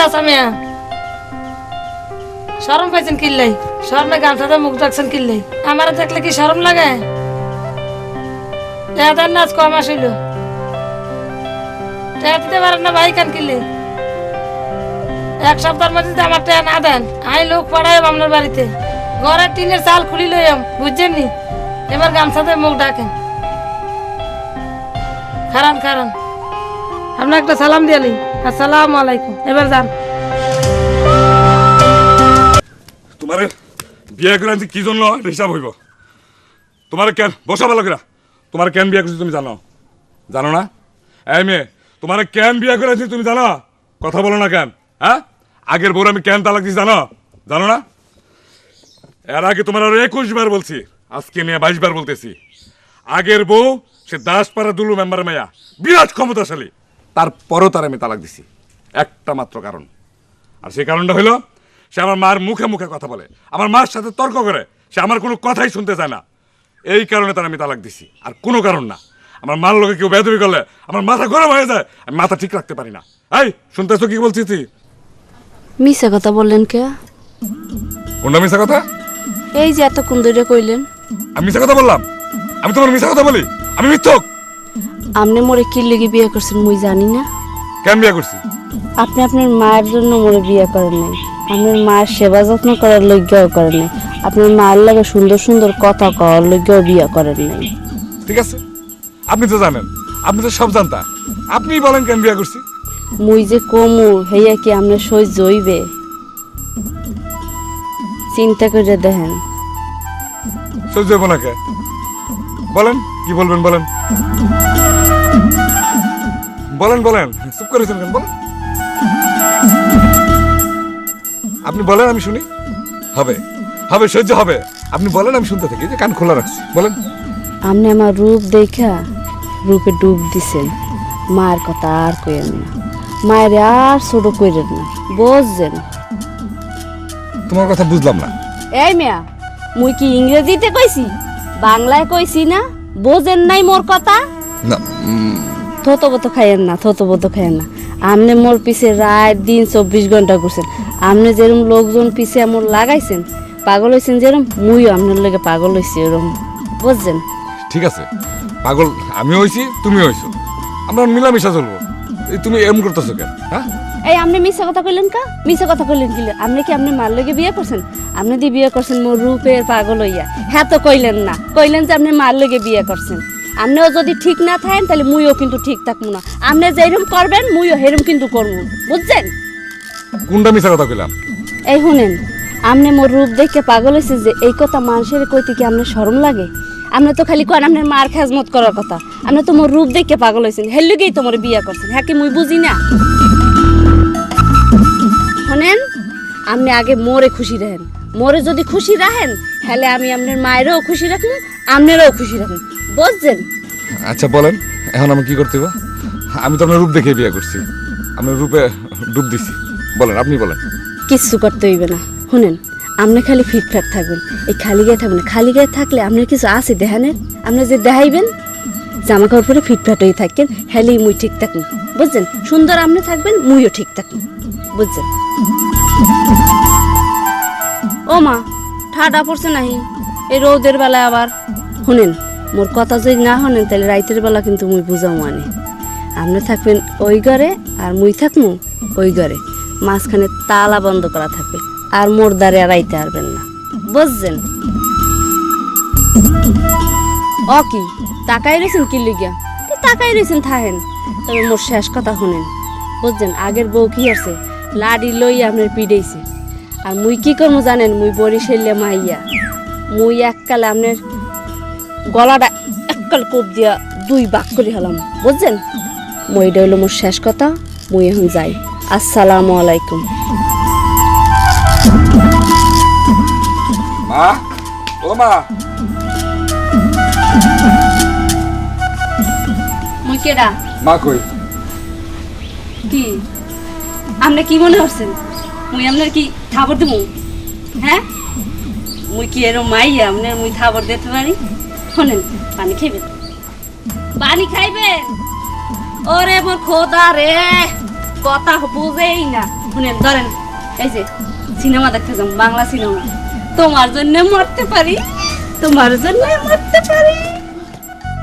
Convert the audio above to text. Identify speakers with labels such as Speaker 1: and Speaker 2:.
Speaker 1: চাচা মিয়া শরম পাইছেন কিল্লাই শরমে গামছাতে মুখ রাখছেন কিল্লাই আমার দেখলে কি শরম লাগে টেহাদের নাচ কম আসিল টেহা দিতে পারেন না ভাই কান কিল্লাই এক সপ্তাহের মধ্যে যদি আমার টেহা না দেন আমি লোক পাঠাই আপনার বাড়িতে ঘরের টিনের চাল খুলি লইম বুঝছেন নি এবার গামছাতে মুখ ডাকেন খারান খারান আপনার একটা সালাম দিয়ালি আসসালামু আলাইকুম এবার যান
Speaker 2: তোমার বিয়ে করে আনছি কি জন্য হিসাব হইব তোমার কেন বসা ভালো করে তোমার কেন বিয়ে করছি তুমি জানো জানো না এই মেয়ে তোমার কেন বিয়ে করে আনছি তুমি জানো কথা বলো না কেন হ্যাঁ আগের বউর আমি কেন তালাক দিচ্ছি জানো জানো না এর আগে তোমার আরো 21 বার বলছি আজকে নিয়ে 22 বার বলতেছি আগের বউ সে দাসপাড়া দুলু মেম্বার মেয়া বিরাট ক্ষমতাশালী তারপরও তার আমি তালাক দিছি একটা মাত্র কারণ আর সেই কারণটা হইল সে আমার মার মুখে মুখে কথা বলে আমার মার সাথে তর্ক করে সে আমার কোনো কথাই শুনতে চায় না এই কারণে তার আমি তালাক দিছি আর কোনো কারণ না আমার মার লোকে কেউ বেদবি করলে আমার মাথা গরম হয়ে যায় আমি মাথা ঠিক রাখতে পারি না এই শুনতেছো কি বলছিস তুই
Speaker 3: মিছা কথা বললেন কে
Speaker 2: কোনটা মিশা কথা
Speaker 3: এই যে এতক্ষণ ধরে কইলেন
Speaker 2: আমি মিশা কথা বললাম আমি তোমার মিশা কথা বলি আমি মিথ্যক
Speaker 3: আপনি মোরে কি লেগে বিয়ে করছেন মুই জানি না
Speaker 2: কেন বিয়ে করছি
Speaker 3: আপনি আপনার মায়ের জন্য মোরে বিয়ে করেন নাই আপনার মায়ের সেবা যত্ন করার লজ্ঞাও করেন নাই আপনার মায়ের লাগে সুন্দর সুন্দর কথা কওয়ার লজ্ঞাও বিয়ে করেন নাই
Speaker 2: ঠিক আছে আপনি তো জানেন আপনি তো সব জানতা আপনিই বলেন কেন বিয়ে করছি
Speaker 3: মুই যে কমু হেয়া কি আপনার সহ্য হইবে চিন্তা করে দেখেন
Speaker 2: সহ্য হবো না কে বলেন কি বলবেন বলেন বলেন বলেন চুপ করেছেন কেন বলেন আপনি বলেন আমি শুনি হবে হবে সহ্য হবে আপনি বলেন আমি শুনতে থাকি যে কান খোলা রাখছি বলেন
Speaker 3: আপনি আমার রূপ দেখা রূপে ডুব দিছেন মায়ের কথা আর কইেন না মায়ের আর ছোট কইরেন না বুঝছেন
Speaker 2: তোমার কথা বুঝলাম না
Speaker 3: এই মিয়া মুই কি ইংরেজিতে কইছি বাংলায় কইছি না বোঝেন নাই মোর কথা
Speaker 2: না
Speaker 3: থতবত খাইয়েন না থতবত খাইয়েন না আপনি মোর পিছে রাত দিন 24 ঘন্টা ঘুরছেন আপনি যেরকম লোকজন পিছে মোর লাগাইছেন পাগল হইছেন যেরকম মুইও আপনার লগে পাগল হইছি এরকম বুঝছেন
Speaker 2: ঠিক আছে পাগল আমিও হইছি তুমিও হইছো আমরা মিলামিশা চলবো এই তুমি এম করতেছো কেন হ্যাঁ
Speaker 3: এই আপনি মিছা কথা কইলেন কা মিছা কথা কইলেন কি আপনি কি আপনি মার লগে বিয়ে করছেন আপনি দি বিয়ে করছেন মোর রূপের পাগল হইয়া হ্যাঁ তো কইলেন না কইলেন যে আপনি মার লগে বিয়ে করছেন আপনিও যদি ঠিক না থাকেন তাহলে মুইও কিন্তু ঠিক থাকবো না আপনি যেরকম করবেন মুইও হেরম কিন্তু করবো বুঝছেন
Speaker 2: কোনটা মিছা কথা কইলাম
Speaker 3: এই শুনেন আপনি মোর রূপ দেখে পাগল হয়েছে যে এই কথা মানুষের কইতে কি আপনার শরম লাগে আপনি তো খালি কোন আপনার মার খেজমত করার কথা আপনি তো মোর রূপ দেখে পাগল হয়েছেন হের লগেই তো মোর বিয়ে করছেন হ্যাঁ কি মুই বুঝি না শুনেন আপনি আগে মোরে খুশি রাখেন মোরে যদি খুশি রাখেন তাহলে আমি আপনার মায়েরও খুশি রাখবো আপনারও খুশি রাখবো বুঝছেন
Speaker 2: আচ্ছা বলেন এখন আমি কি করতে হবে আমি তো আপনার রূপ দেখে বিয়ে করছি আপনার রূপে ডুব দিছি বলেন আপনি বলেন
Speaker 3: কিচ্ছু করতে হইবে না শুনেন আপনি খালি ফিটফাট থাকবেন এই খালি গায়ে থাকবেন খালি গায়ে থাকলে আপনার কিছু আছে দেহানের আপনি যে দেখাইবেন জামা কাপড় পরে ফিটফাট হয়ে থাকেন হেলেই মুই ঠিক থাকুন বুঝছেন সুন্দর আপনি থাকবেন মুইও ঠিক থাকুন বুঝছেন ও মা ঠাডা পড়ছে নাহি এই রোদের বেলায় আবার শুনেন মোর কথা যদি না শোনেন তাহলে রাইতের বেলা কিন্তু মুই বুঝাও মানে আপনি থাকবেন ওই ঘরে আর মুই থাকবো ওই ঘরে মাঝখানে তালা বন্ধ করা থাকবে আর মোর দ্বারে আর আইতে পারবেন না বুঝছেন ও কি টাকাই রয়েছেন কি লিগিয়া টাকাই রয়েছেন থাহেন তবে মোর শেষ কথা শুনেন বুঝছেন আগের বউ কি আছে লাডি লই আপনার পিড়েছে আর মুই কি করবো জানেন মুই বরিশালে মাইয়া মুই এককালে আপনার গলাটা এককাল কোপ দিয়া 2 ভাগ করে হলাম বুঝছেন মই এটা হইলো মোর শেষ কথা মুই এখন যাই আসসালামু আলাইকুম
Speaker 2: মা ও মা
Speaker 3: মুই কেডা
Speaker 2: মা কই
Speaker 3: কি আপনি কি মনে করছেন মুই আপনার কি থাবর দেবো হ্যাঁ মুই কি এরম মাইয়া আপনার মুই থাবর দিতে পারি শোনেন পানি খাইবেন ওরে মোর খোদা রে কথা বুঝেই না। শুনেন ধরেন এই যে সিনেমা দেখতে যাম, বাংলা সিনেমা। তোমার জন্য মরতে পারি, তোমার জন্য মরতে পারি।